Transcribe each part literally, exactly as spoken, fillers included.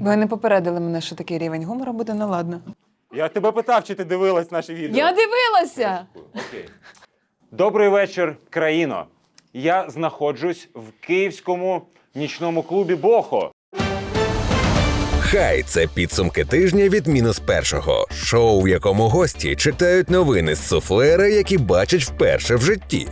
Ви не попередили мене, що такий рівень гумору буде, ну ладно. Я тебе питав, чи ти дивилась наші відео. Я дивилася! Окей. Добрий вечір, країно. Я знаходжусь в київському нічному клубі «Бохо». Хай – це підсумки тижня від мінус першого. Шоу, в якому гості читають новини з суфлера, які бачать вперше в житті.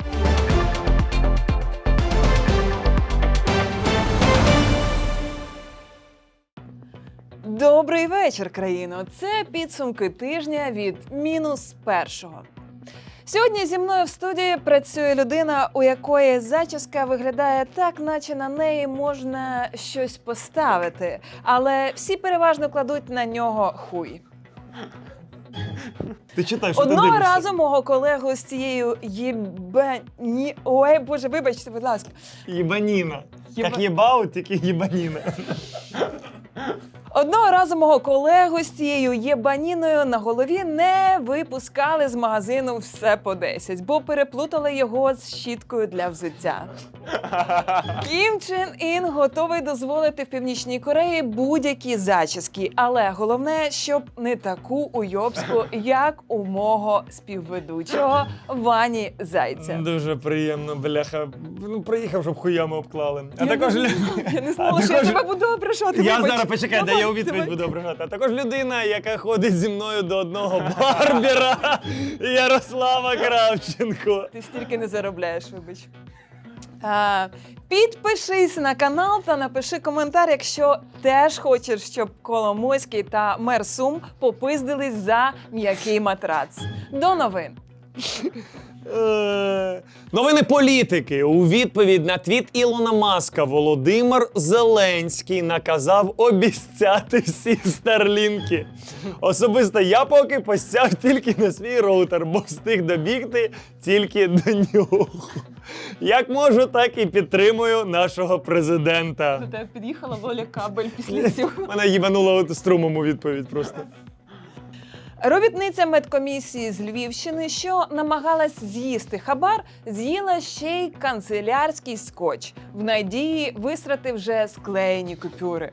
Добрий вечір, країно! Це підсумки тижня від мінус першого. Сьогодні зі мною в студії працює людина, у якої зачіска виглядає так, наче на неї можна щось поставити, але всі переважно кладуть на нього хуй. Ти читай, що Одного ти дивишся. разу мого колегу з цією єбані... Ой, боже, вибачте, будь ласка. Єбаніна. Єба- Як єбаут, тільки єбаніна. Одного разу мого колегу з цією єбаніною на голові не випускали з магазину «Все по десять», бо переплутали його з щіткою для взуття. Кім Чен Ін готовий дозволити в Північній Кореї будь-які зачіски, але головне, щоб не таку уйобську, як у мого співведучого Вані Зайця. Дуже приємно, бляха. Ну, приїхав, щоб хуями обклали. А Я також... не, лю- я не знала, А що я також- тебе буду ображати. Я вибач. зараз, почекай, де Давай, я у відповідь давай. буду ображати. А також людина, яка ходить зі мною до одного барбера, Ярослава Кравченко. Ти стільки не заробляєш, вибач. А, підпишись на канал та напиши коментар, якщо теж хочеш, щоб Коломойський та мер Сум попиздились за м'який матрац. До новин. Е, Новини політики. У відповідь на твіт Ілона Маска Володимир Зеленський наказав обіцяти всі старлінки. Особисто я поки постяв тільки на свій роутер, бо встиг добігти тільки до нього. Як можу, так і підтримую нашого президента. До тебе під'їхала Лоля Кабель після цього. Мене їбануло от струмом у відповідь просто. Робітниця медкомісії з Львівщини, що намагалась з'їсти хабар, з'їла ще й канцелярський скотч. В надії висрати вже склеєні купюри.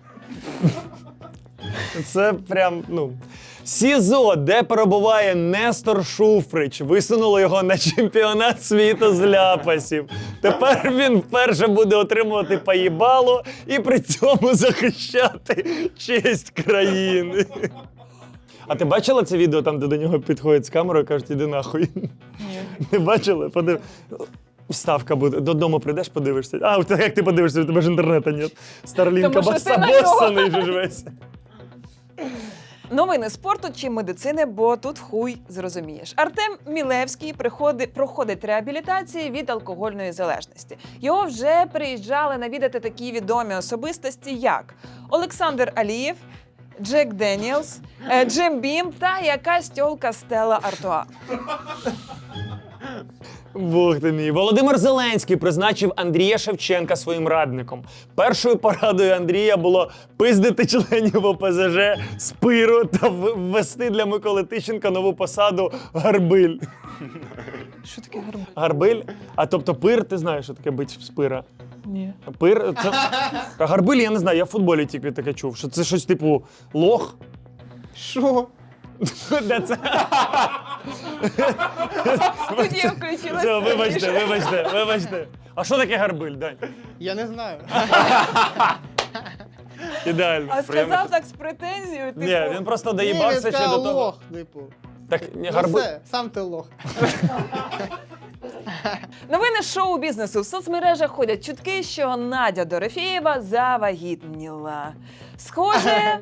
Це прям, ну... СІЗО, де перебуває Нестор Шуфрич, висунуло його на чемпіонат світу з ляпасів. Тепер він вперше буде отримувати поїбало і при цьому захищати честь країни. А ти бачила це відео, там, де до нього підходять з камерою і кажуть, іди нахуй? Ні. Не бачила? Подив... Вставка буде. Додому прийдеш, подивишся. А, так як ти подивишся, у тебе ж інтернету нет. Старлінка Тому що ти на басабосаний же ж весь. Новини спорту чи медицини, бо тут хуй зрозумієш. Артем Мілевський приходить, проходить реабілітацію від алкогольної залежності. Його вже приїжджали навідати такі відомі особистості, як Олександр Алієв, Джек Деніелс, е, Джим Бім та якась тьолка Стелла Артуа. Бог ти мій. Володимир Зеленський призначив Андрія Шевченка своїм радником. Першою порадою Андрія було пиздити членів О Пе Зе Же з пиру та в- ввести для Миколи Тищенка нову посаду гарбиль. Що таке гарбуз? Гарбиль? А тобто пир, ти знаєш, що таке бить з пира? Ні. Пир – це... А гарбиль, я не знаю, я в футболі тільки таке чув, що це щось типу лох. Що? Де це? Студія включилася. Все, вибачте, вибачте, вибачте. А що таке гарбиль, Дань? Я не знаю. Ідеально. А сказав так з претензією, типу... Ні, він просто Ні, доїбався він ще до сказав того. лох, типу. Так, ні, Ну гарбиль. все, сам ти лох. Новини шоу-бізнесу. В соцмережах ходять чутки, що Надя Дорофєєва завагітніла. Схоже,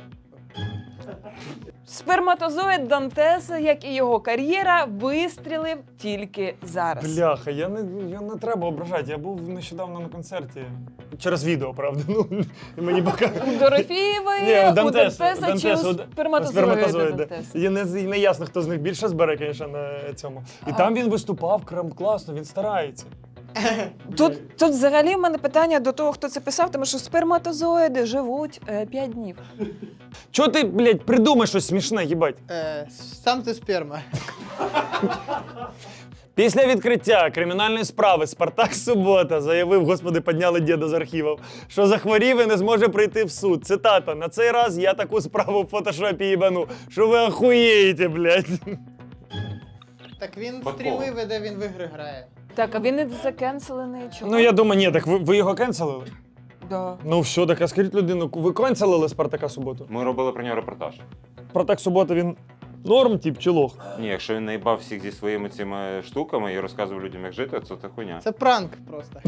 сперматозоїд Дантеса, як і його кар'єра, вистрілив тільки зараз. Бляха, я не, я не треба ображати. Я був нещодавно на концерті. Через відео, правда. Ну, і мені пока... У Дорофєєвої, Ні, у Дантес, Дантеса чи у Дантес, у- сперматозоїда сперматозоїда. Дантеса? І не, і не ясно, хто з них більше збере, звісно, на цьому. І там він виступав, крем класно, він старається. Тут, тут взагалі в мене питання до того, хто це писав, тому що сперматозоїди живуть е, п'ять днів. Чого ти, блядь, придумай щось смішне, їбать? Е, сам ти сперма. Після відкриття кримінальної справи Спартак Субота заявив, господи, підняли діда з архівів, що захворів і не зможе прийти в суд. Цитата: «На цей раз я таку справу в фотошопі їбану, що ви охуєєте, блядь». Так він Випадково. стріми веде, він в ігри грає. Так, а він не закенселений, чому? Ну я думаю, ні, так ви, ви його кенселили? Да. Ну все, так а скажіть людину, ви кенселили Спартака Суботу? Ми робили про нього репортаж. Спартак Субота, він норм, тип, чи лох? Ні, якщо він наїбав всіх зі своїми цими штуками і розказував людям, як жити, то це хуйня. Це пранк просто.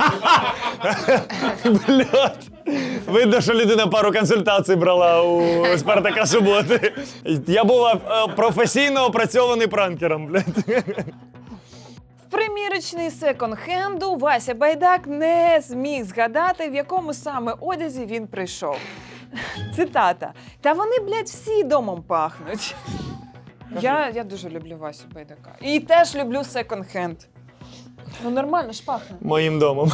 Блядь. Видно, що людина пару консультацій брала у Спартака Суботи. Я був е, професійно опрацьований пранкером, блядь. В примірочний секонд-хенду Вася Байдак не зміг згадати, в якому саме одязі він прийшов. Цитата. «Та вони, блядь, всі домом пахнуть». Я, я дуже люблю Васю Байдака. І теж люблю секонд-хенд. Ну нормально ж пахне. Моїм домом.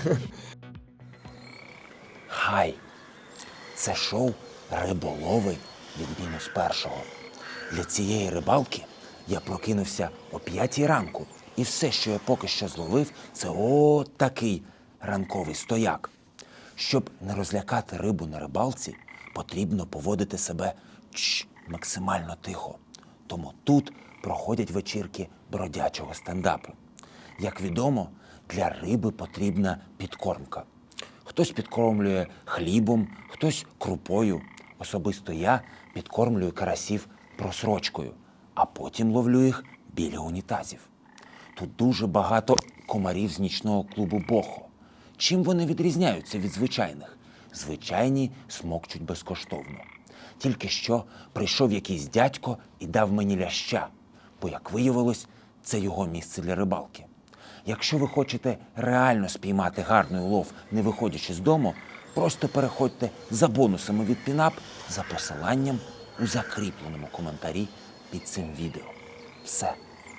Хай! Це шоу «Риболови» від мінус першого. Для цієї рибалки я прокинувся о п'ятій ранку. І все, що я поки що зловив, це от такий ранковий стояк. Щоб не розлякати рибу на рибалці, потрібно поводити себе чш, максимально тихо. Тому тут проходять вечірки бродячого стендапу. Як відомо, для риби потрібна підкормка. Хтось підкормлює хлібом, хтось крупою. Особисто я підкормлюю карасів просрочкою, а потім ловлю їх біля унітазів. Тут дуже багато комарів з нічного клубу «Бохо». Чим вони відрізняються від звичайних? Звичайні смокчуть безкоштовно. Тільки що прийшов якийсь дядько і дав мені ляща, бо, як виявилось, це його місце для рибалки. Якщо ви хочете реально спіймати гарний улов, не виходячи з дому, просто переходьте за бонусами від Пінап за посиланням у закріпленому коментарі під цим відео. Все.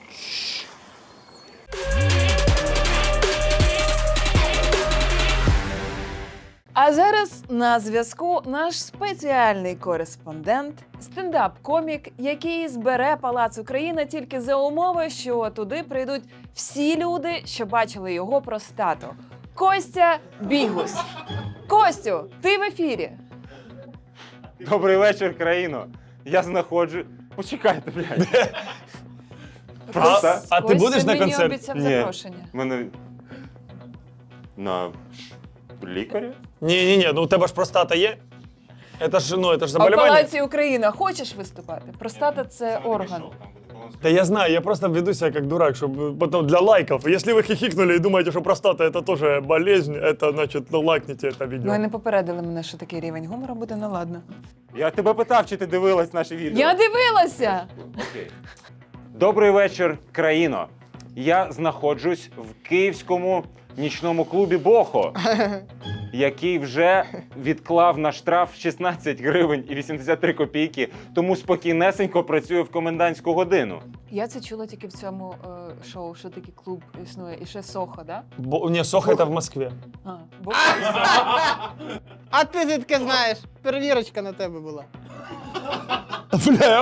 А зараз на зв'язку наш спеціальний кореспондент, стендап-комік, який збере Палац Україна тільки за умови, що туди прийдуть всі люди, що бачили його простату. Костя Бігус. Костю, ти в ефірі. Добрий вечір, країно. Я знаходжу. Почекайте, блядь. А, Просто. а ти Костя будеш на мені концерт? обіцяв Ні. запрошення. Мене. На лікаря? Ні, ні, ні, ну у тебе ж простата є. Це ж, ну, це ж А в заболівання. Палаці Україна хочеш виступати? Простата – це орган. Да я знаю, я просто веду себя как дурак, чтобы потом для лайков. Если вы хихикнули и думаете, что простата это тоже болезнь, это значит, ну лайкните это видео. Ну і не попередили мене, що такий рівень гумору буде, ну ладно. Я тебе питав, чи ти дивилась наші відео. Я дивилася! Окей. Добрий вечір, країно. Я знаходжусь в київському нічному клубі «Бохо», який вже відклав на штраф шістнадцять гривень і вісімдесят три копійки, тому спокійнесенько працює в комендантську годину. Я це чула тільки в цьому е, шоу, що такий клуб існує. І ще Сохо, да? Бо, не, Соха это в Москве. А, бо... А ти звідки знаєш? Перевірочка на тебе була. Бля,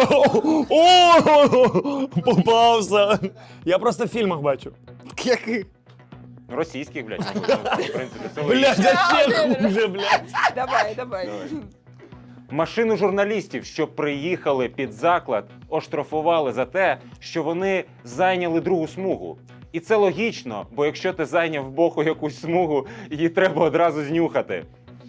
о, попався. Я просто в фільмах бачу. Яких? Російських, блядь, в принципі, це Блядь, логічно. зачем хуже, блядь? Давай, давай. Машину журналістів, що приїхали під заклад, оштрафували за те, що вони зайняли другу смугу. І це логічно, бо якщо ти зайняв в Боху якусь смугу, її треба одразу знюхати.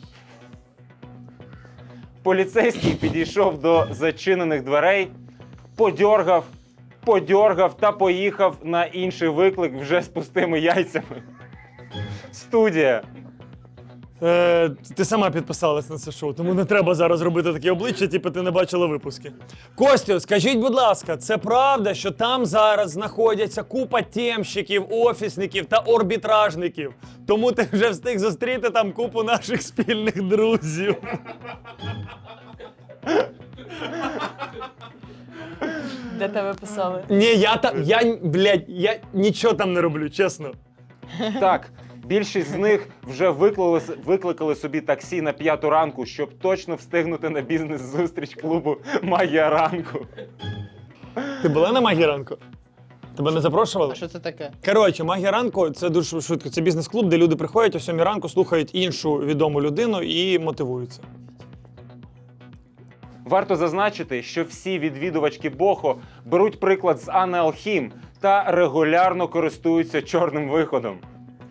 Поліцейський підійшов до зачинених дверей, подьоргав, подьоргав та поїхав на інший виклик вже з пустими яйцями. Студія. Е, ти сама підписалась на це шоу, тому не треба зараз робити такі обличчя, типу ти не бачила випуски. Костю, скажіть, будь ласка, це правда, що там зараз знаходяться купа темщиків, офісників та арбітражників? Тому ти вже встиг зустріти там купу наших спільних друзів. Де тебе писали? Ні, я там, я, блядь, я нічого там не роблю, чесно. Так, більшість з них вже викликали, викликали собі таксі на п'яту ранку, щоб точно встигнути на бізнес-зустріч клубу «Магія ранку». Ти була на магії ранку? Тебе не запрошували? А що це таке? Коротше, магія ранку це дуже швидко. Це бізнес-клуб, де люди приходять о сьомій ранку, слухають іншу відому людину і мотивуються. Варто зазначити, що всі відвідувачки Бохо беруть приклад з Анни Алхім та регулярно користуються чорним виходом.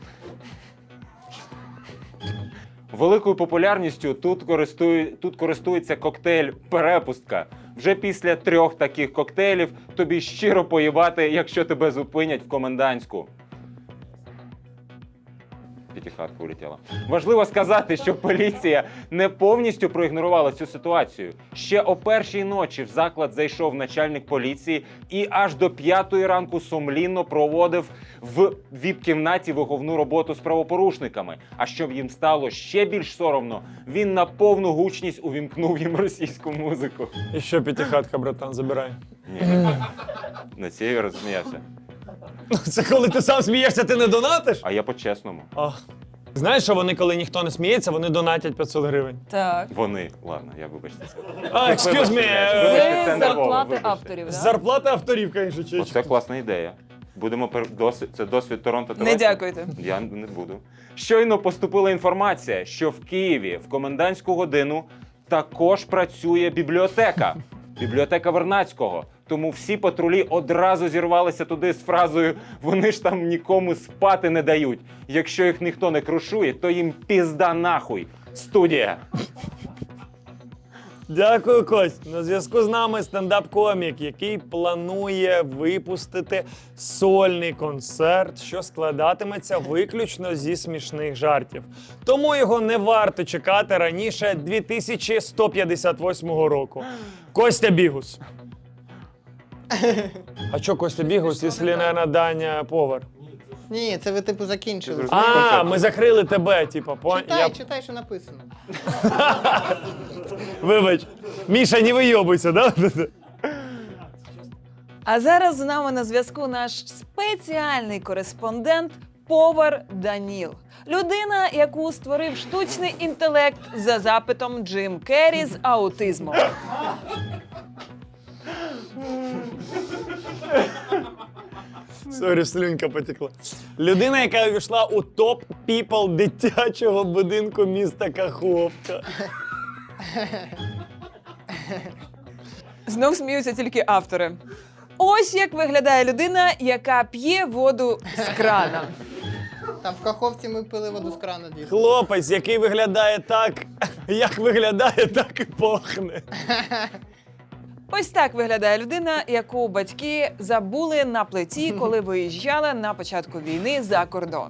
Великою популярністю тут, користує, тут користується коктейль «Перепустка». Вже після трьох таких коктейлів тобі щиро поїбати, якщо тебе зупинять в комендантську. П'ятихатка улетіла. Важливо сказати, що поліція не повністю проігнорувала цю ситуацію. Ще о першій ночі в заклад зайшов начальник поліції і аж до п'ятої ранку сумлінно проводив в віп-кімнаті виховну роботу з правопорушниками. А щоб їм стало ще більш соромно, він на повну гучність увімкнув їм російську музику. І що, п'ятихатка, братан, забирай. Ні, на це я розсміявся. Це коли ти сам смієшся, ти не донатиш? А я по-чесному. А. Знаєш, що вони, коли ніхто не сміється, вони донатять п'ятсот гривень. Так. Вони. Ладно, я вибачте це. А, excuse me. Вибачте, е, вибачте, Це це нервово, зарплати вибачте. авторів, так? Зарплата авторів, звісно, чечка. Оце класна ідея. Будемо пер... досвід... Це досвід Торонто та Не Лесі? дякуйте. Я не буду. Щойно поступила інформація, що в Києві в комендантську годину також працює бібліотека. Бібліотека Вернадського. Тому всі патрулі одразу зірвалися туди з фразою «Вони ж там нікому спати не дають. Якщо їх ніхто не крушує, то їм пізда нахуй. Студія!» Дякую, Кость. На зв'язку з нами стендап-комік, який планує випустити сольний концерт, що складатиметься виключно зі смішних жартів. Тому його не варто чекати раніше дві тисячі сто п'ятдесят восьмого року. Костя Бігус. А чо Костя Бігус, якщо не Даня повар? Ні, це ви типу закінчили. Ти зрозумів? А, ми закрили тебе, типа. По... Читай, Я... читай, що написано. Вибач. Міша, не вийобуйся, да? А зараз з нами на зв'язку наш спеціальний кореспондент повар Даніл. Людина, яку створив штучний інтелект за запитом Джим Керрі з аутизмом. Сорі, слюнька потекла. Людина, яка увійшла у топ піпл дитячого будинку міста Каховка. Знов сміються тільки автори. Ось як виглядає людина, яка п'є воду з крана. Там в Каховці ми пили воду з крана дійсно. Хлопець, який виглядає так, як виглядає, так і пахне. Ось так виглядає людина, яку батьки забули на плиті, коли виїжджали на початку війни за кордон.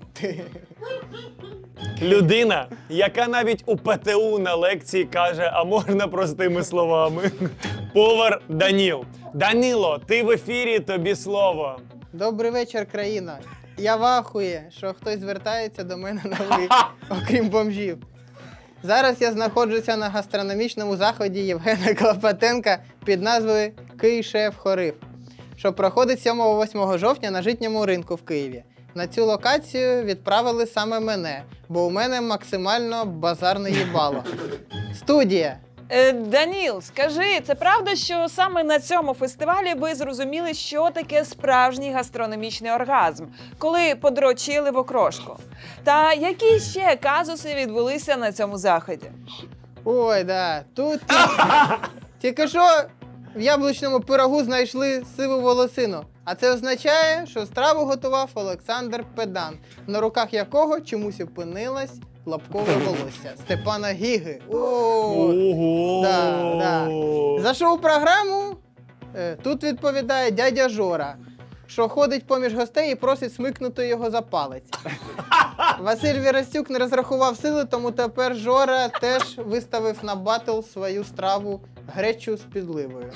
Людина, яка навіть у ПТУ на лекції каже, а можна простими словами. Повар Даніл. Даніло, ти в ефірі, тобі слово. Добрий вечір, країна. Я вахує, що хтось звертається до мене на ви, окрім бомжів. Зараз я знаходжуся на гастрономічному заході Євгена Клопотенка під назвою «Кий-шеф-хорив», що проходить сьомого-восьмого жовтня на Житньому ринку в Києві. На цю локацію відправили саме мене, бо у мене максимально базарне їбало. Студія. Е, Даніл, скажи, це правда, що саме на цьому фестивалі ви зрозуміли, що таке справжній гастрономічний оргазм, коли подрочили в окрошку? Та які ще казуси відбулися на цьому заході? Ой, да. Тут ті- тільки що в яблучному пирогу знайшли сиву волосину. А це означає, що страву готував Олександр Педан, на руках якого чомусь опинилось лапкове волосся Степана Гіги. О, Ого! да, да. За шоу-програму е, тут відповідає дядя Жора, що ходить поміж гостей і просить смикнути його за палець. Василь Вірастюк не розрахував сили, тому тепер Жора теж виставив на батл свою страву гречу з підливою.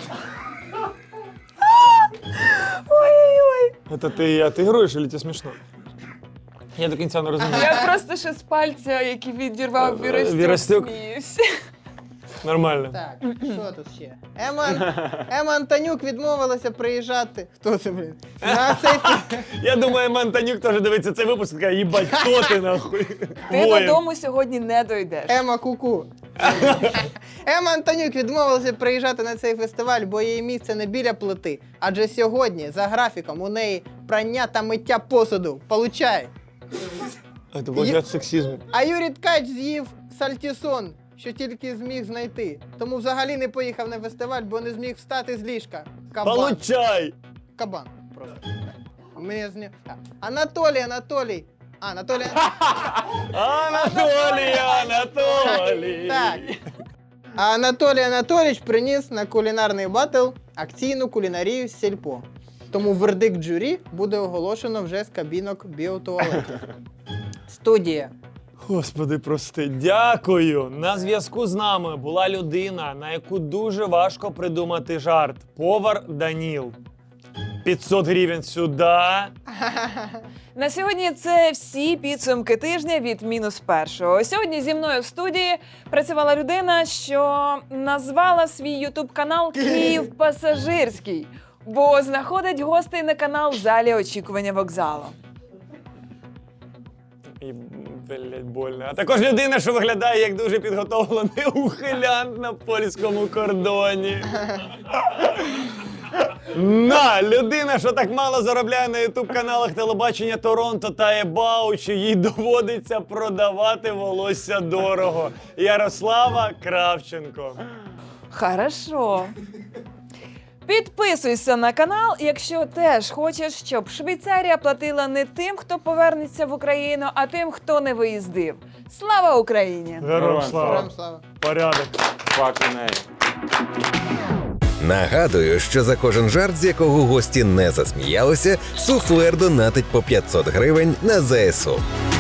Ой-ой-ой. Це ти отигруєш, чи це смішно? Я до кінця не розумію. Я просто ще з пальця, який відірвав Вірастюк, Вірастюк. сміюся. Нормально. Так, що тут ще? Ема, Ема Антонюк відмовилася приїжджати. Хто це, блін? На цей фі- Я думаю, Мантанюк теж дивиться цей випуск і каже, їбать, хто ти нахуй? Ти Воїн. додому сьогодні не дойдеш. Ема Куку. Ема Антонюк відмовилася приїжджати на цей фестиваль, бо її місце не біля плити. Адже сьогодні, за графіком, у неї прання та миття посуду. Получай! Це вважає сексизм. А Юрій Ткач з'їв сальтісон, що тільки зміг знайти. Тому взагалі не поїхав на фестиваль, бо не зміг встати з ліжка. Кабан. Получай! Кабан. Просто. Мені зні... Анатолій, Анатолій. А, Анатолій. Анатолій, Анатолій! Так. А Анатолій Анатолійович приніс на кулінарний батл акційну кулінарію з сільпо. Тому вердикт журі буде оголошено вже з кабінок біотуалету. Студія. Господи, прости, дякую. На зв'язку з нами була людина, на яку дуже важко придумати жарт. Повар Даніл. п'ятсот гривень сюди. На сьогодні це всі підсумки тижня від мінус першого. Сьогодні зі мною в студії працювала людина, що назвала свій ютуб-канал «Київ пасажирський», бо знаходить гостей на канал в залі очікування вокзалу. І, блядь, больно. А також людина, що виглядає як дуже підготовлений ухилянт на польському кордоні. На, людина, що так мало заробляє на ютуб-каналах телебачення Торонто та Ебау, що їй доводиться продавати волосся дорого. Ярослава Кравченко. Хорошо. Підписуйся на канал, якщо теж хочеш, щоб Швейцарія платила не тим, хто повернеться в Україну, а тим, хто не виїздив. Слава Україні! Героям слава. Героям слава. Порядок. Fucking A. Нагадую, що за кожен жарт, з якого гості не засміялися, суфлер донатить по п'ятсот гривень на ЗСУ.